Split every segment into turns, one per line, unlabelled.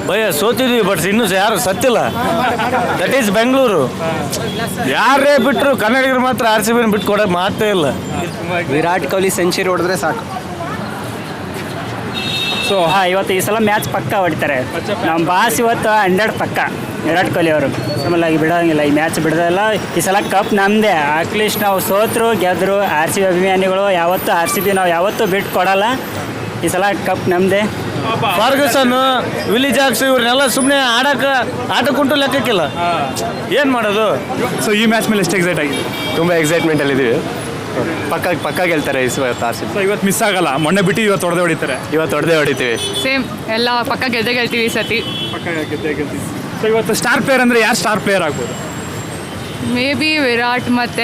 ಭಯ ಸೋತಿದ್ವಿ, ಬಟ್ ಇನ್ನೂ ಯಾರು ಸತ್ತಿಲ್ಲ. That is Bengaluru. ಯಾರೇ ಬಿಟ್ಟರು ಕನ್ನಡಿಗರು ಮಾತ್ರ RCB ಬಿಟ್ಟು ಕೊಡೋಕೆ ಮಾತೇ ಇಲ್ಲ.
ವಿರಾಟ್ ಕೊಹ್ಲಿ ಸೆಂಚುರಿ ಹೊಡೆದ್ರೆ ಸಾಕು.
ಸೊ ಇವತ್ತು ಈ ಸಲ ಮ್ಯಾಚ್ ಪಕ್ಕ ಹೊಡಿತಾರೆ. ನಮ್ಮ ಬಾಸ್ ಇವತ್ತು 100 ಪಕ್ಕ ವಿರಾಟ್ ಕೊಹ್ಲಿ ಅವರು. ಆಮೇಲೆ ಬಿಡೋಂಗಿಲ್ಲ, ಈ ಮ್ಯಾಚ್ ಬಿಡೋದಿಲ್ಲ. ಈ ಸಲ ಕಪ್ ನಮ್ಮದೇ. ಅಟ್ಲೀಸ್ಟ್ ನಾವು ಸೋತರು ಗೆದ್ದರು, RCB ಅಭಿಮಾನಿಗಳು ಯಾವತ್ತೂ RCB ನಾವು ಯಾವತ್ತೂ ಬಿಟ್ಟು ಕೊಡಲ್ಲ. ಈ ಸಲ ಕಪ್ ನಮ್ಮದೇ.
ಫರ್ಗಸನ್, ವಿಲಿ ಜಾಕ್ಸ್ ಇವ್ರನ್ನೆಲ್ಲ ಸುಮ್ಮನೆ ಆಟಕ್ಕುಂಟು ಲೆಕ್ಕಕ್ಕಿಲ್ಲ. ಏನು ಮಾಡೋದು?
ಸೊ ಈ ಮ್ಯಾಚ್ ಮೇಲೆ ಎಷ್ಟು ಎಕ್ಸೈಟ್ ಆಗಿದೆ?
ತುಂಬ ಎಕ್ಸೈಟ್ಮೆಂಟಲ್ಲಿದ್ದೀವಿ. ಪಕ್ಕ ಗೆಲ್ತಾರೆ ಇವತ್ತು RCB.
ಸೊ ಇವತ್ತು ಮಿಸ್ ಆಗಲ್ಲ, ಮೊನ್ನೆ ಬಿಟ್ಟು ಇವತ್ತು ಹೊಡೆದಿದ್ದಾರೆ.
ಇವತ್ತು ಹೊಡೆದೇ ಹೊಡಿತೀವಿ.
ಸೇಮ್ ಎಲ್ಲ ಪಕ್ಕ ಗೆಲ್ತೀವಿ ಈ ಸತಿ.
ಪಕ್ಕ ಗೆಲ್ತೀವಿ. ಸೊ ಇವತ್ತು ಸ್ಟಾರ್ ಪ್ಲೇಯರ್ ಅಂದರೆ ಯಾರು ಸ್ಟಾರ್ ಪ್ಲೇಯರ್ ಆಗ್ಬೋದು?
ಮೇ ಬಿ ವಿರಾಟ್ ಮತ್ತು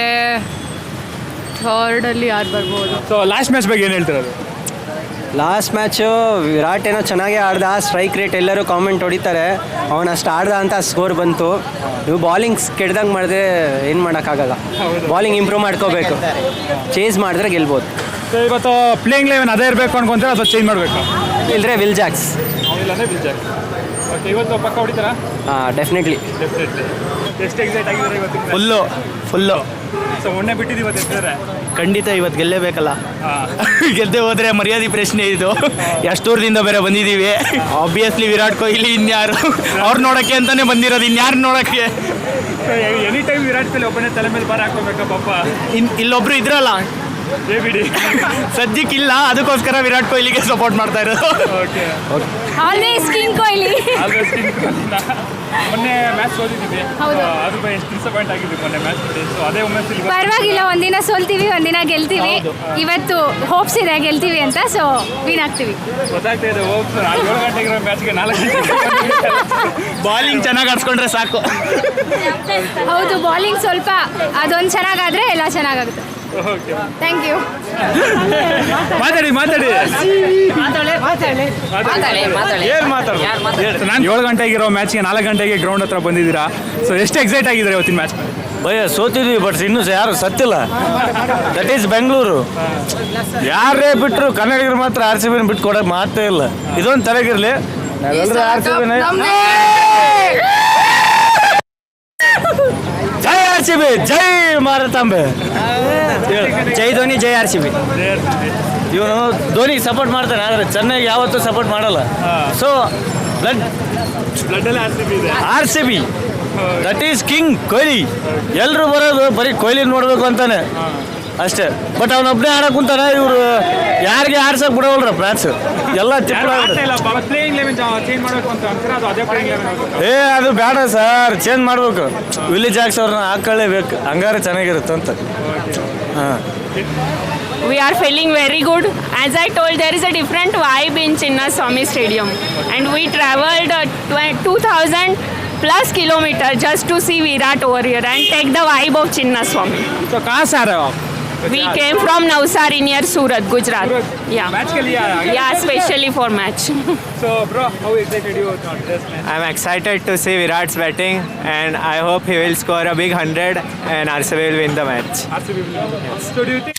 ಥರ್ಡಲ್ಲಿ ಯಾರು ಬರ್ಬೋದು?
ಸೊ ಲಾಸ್ಟ್ ಮ್ಯಾಚ್ ಬಗ್ಗೆ ಏನು ಹೇಳ್ತಿರೋದು?
ಲಾಸ್ಟ್ ಮ್ಯಾಚು ವಿರಾಟ್ ಏನೋ ಚೆನ್ನಾಗೇ ಆಡ್ದ. ಸ್ಟ್ರೈಕ್ ರೇಟ್ ಎಲ್ಲರೂ ಕಾಮೆಂಟ್ ಹೊಡಿತಾರೆ, ಅವನು ಅಷ್ಟು ಆಡ್ದ ಅಂತ ಸ್ಕೋರ್ ಬಂತು. ನೀವು ಬಾಲಿಂಗ್ಸ್ ಕೆಡ್ದಂಗೆ ಮಾಡಿದ್ರೆ ಏನು ಮಾಡೋಕ್ಕಾಗಲ್ಲ. ಬಾಲಿಂಗ್ ಇಂಪ್ರೂವ್ ಮಾಡ್ಕೋಬೇಕು, ಚೇಂಜ್ ಮಾಡಿದ್ರೆ ಗೆಲ್ಬೋದು.
ಸೊ ಇವತ್ತು ಪ್ಲೇಯಿಂಗ್ ಲೆವೆನ್ ಅದೇ ಇರಬೇಕು ಅನ್ಕೊಂತಾರೆ ಅಥವಾ ಚೇಂಜ್ ಮಾಡಬೇಕು?
ಇಲ್ಲದ್ರೆ ವಿಲ್ ಜಾಕ್ಸ್.
ಇಲ್ಲಾಂದರೆ ವಿಲ್ ಜಾಕ್ಸ್. ಓಕೆ, ಇವತ್ತು ಪಕ್ಕ ಹೊಡಿತಾರಾ?
ಡೆಫಿನೆಟ್ಲಿ.
ಎಷ್ಟು ಎಕ್ಸೈಟ್ ಆಗಿದ್ದಾರೆ ಇವತ್ತು?
ಫುಲ್ಲು.
ಸೊ ಮೊನ್ನೆ ಬಿಟ್ಟಿದ್ದು ಇವತ್ತು ಎತ್ತಿದ್ದಾರೆ.
ಖಂಡಿತ ಇವತ್ತು ಗೆಲ್ಲೇಬೇಕಲ್ಲ. ಗೆದ್ದೆ ಹೋದರೆ ಮರ್ಯಾದೆ ಪ್ರಶ್ನೆ ಇದು. ಎಷ್ಟು ದೂರದಿಂದ ಬೇರೆ ಬಂದಿದ್ದೀವಿ. ಆಬ್ವಿಯಸ್ಲಿ ವಿರಾಟ್ ಕೊಹ್ಲಿ, ಇನ್ಯಾರು ಅವ್ರು ನೋಡೋಕ್ಕೆ ಅಂತಲೇ ಬಂದಿರೋದು, ಇನ್ಯಾರು ನೋಡೋಕ್ಕೆ.
ಎನಿ ಟೈಮ್ ವಿರಾಟ್ ಕೊಹ್ಲಿ ಒಬ್ಬನೇ ತಲೆ ಮೇಲೆ ಬಾರ ಹಾಕೋಬೇಕಾ ಪಾಪ?
ಇಲ್ಲೊಬ್ರು ಇದ್ರಲ್ಲ,
ಬಿಡಿ
ಸದ್ಯಕ್ಕಿಲ್ಲ, ಅದಕ್ಕೋಸ್ಕರ ವಿರಾಟ್ ಕೊಹ್ಲಿಗೆ ಸಪೋರ್ಟ್ ಮಾಡ್ತಾ ಇರೋದು.
ಓಕೆ.
Always king Kohli.
ಮೊನ್ನೆ ಮ್ಯಾಚ್ ಸೋತಿದ್ದೀವಿ.
ಹೌದು.
ಅದು ಎಷ್ಟು ಡಿಸಪಾಯಿಂಟ್ ಆಗಿದ್ವಿ ಮೊನ್ನೆ ಮ್ಯಾಚ್. ಸೊ ಅದೇ ಒಮ್ಮೆ
ಪರವಾಗಿಲ್ಲ, ಒಂದಿನ ಸೋಲ್ತೀವಿ, ಒಂದಿನ ಗೆಲ್ತೀವಿ. ಇವತ್ತು ಹೋಪ್ಸ್ ಇದೆ ಗೆಲ್ತೀವಿ ಅಂತ, ಸೊ ವಿನ್ ಆಗ್ತೀವಿ.
ಗೊತ್ತಾಗ್ತಾ ಇದೆ. 7 ಗಂಟೆಗಿರೋ ಮ್ಯಾಚ್ಗೆ 4 ಗಂಟೆ
ಬಾಲಿಂಗ್ ಚೆನ್ನಾಗಿ ಆಡ್ಸ್ಕೊಂಡ್ರೆ ಸಾಕು.
ಹೌದು, ಬಾಲಿಂಗ್ ಸ್ವಲ್ಪ ಅದೊಂದು ಚೆನ್ನಾಗಾದರೆ ಎಲ್ಲ ಚೆನ್ನಾಗಾಗುತ್ತೆ. Thank you.
ಮಾತಾಡಿ
ಏನು ಮಾತಾಡೋದು?
ನಾನು 7 ಗಂಟೆಗಿರೋ ಮ್ಯಾಚ್ಗೆ 4 ಗಂಟೆಗೆ ಗ್ರೌಂಡ್ ಹತ್ರ ಬಂದಿದ್ದೀರಾ. ಸೊ ಎಷ್ಟು ಎಕ್ಸೈಟ್ ಆಗಿದ್ದಾರೆ ಇವತ್ತಿನ ಮ್ಯಾಚ್?
ಭಯ ಸೋತಿದ್ವಿ, ಬಟ್ ಇನ್ನೂ ಯಾರು ಸತ್ತಿಲ್ಲ. That is Bengaluru. ಯಾರೇ ಬಿಟ್ಟರು ಕನ್ನಡಿಗರು ಮಾತ್ರ RCB ಬಿಟ್ಟು ಕೊಡೋಕೆ ಮಾತೇ ಇಲ್ಲ. ಇದೊಂದು ತಲೆಗಿರಲಿ, ನಾವೆಲ್ಲರೂ RCB. ಜೈ RCB, ಜೈ ಮಾರತಾಂಬೆ.
ಜೈ ಧೋನಿ, ಜೈ RCB.
ಇವನು ಧೋನಿಗೆ ಸಪೋರ್ಟ್ ಮಾಡ್ತಾನೆ, ಆದರೆ ಚೆನ್ನೈಗೆ ಯಾವತ್ತೂ ಸಪೋರ್ಟ್ ಮಾಡಲ್ಲ. ಸೊ
ಬ್ಲಡ್ಡಲ್ಲಿ
RCB that is king Kohli. ಎಲ್ಲರೂ ಬರೋದು ಬರೀ ಕೊಹ್ಲಿ ನೋಡಬೇಕು ಅಂತಾನೆ ಅಷ್ಟೇ. ಬಟ್ ಅವನೊಬ್ಬನೇ ಆಡಕ್ಕೆ ಕುಂತಾನೆ. ಇವರು ಯಾರಿಗೆ ಆಡ್ಸಕ್ಕೆ ಬಿಡೋಲ್ರ ಮ್ಯಾಚ್ ಎಲ್ಲ
ಪ್ಲೇಯಿಂಗ್ ಲೆವೆನ್ ಚೇಂಜ್ ಮಾಡಬೇಕು ಅಂತ ಅಂತಾರೆ. ಅದು ಅದೇ ಪ್ಲೇಯಿಂಗ್ ಲೆವೆನ್
ಅದು ಬೇಡ ಸರ್, ಚೇಂಜ್ ಮಾಡಬೇಕು. ವಿಲಿ ಜಾಕ್ಸ್ ಅವ್ರನ್ನ ಹಾಕೊಳ್ಳೇಬೇಕು, ಹಂಗಾರೆ ಚೆನ್ನಾಗಿರುತ್ತೆ ಅಂತ. ಹಾಂ.
We are feeling very good. As I told, there is a different vibe in Chinnaswamy Stadium, and we travelled 2,000 plus kilometers just to see Virat over here and take the vibe of Chinnaswamy.
So कहाँ से आ रहे हो आप?
We came from Navsari near Surat, Gujarat. Yeah.
Match के लिए आया?
Yeah, especially for match.
So bro, how excited you are this match?
I'm excited to see Virat's batting, and I hope he will score a big 100 and RCB will win the match.
RCB will win. So do you think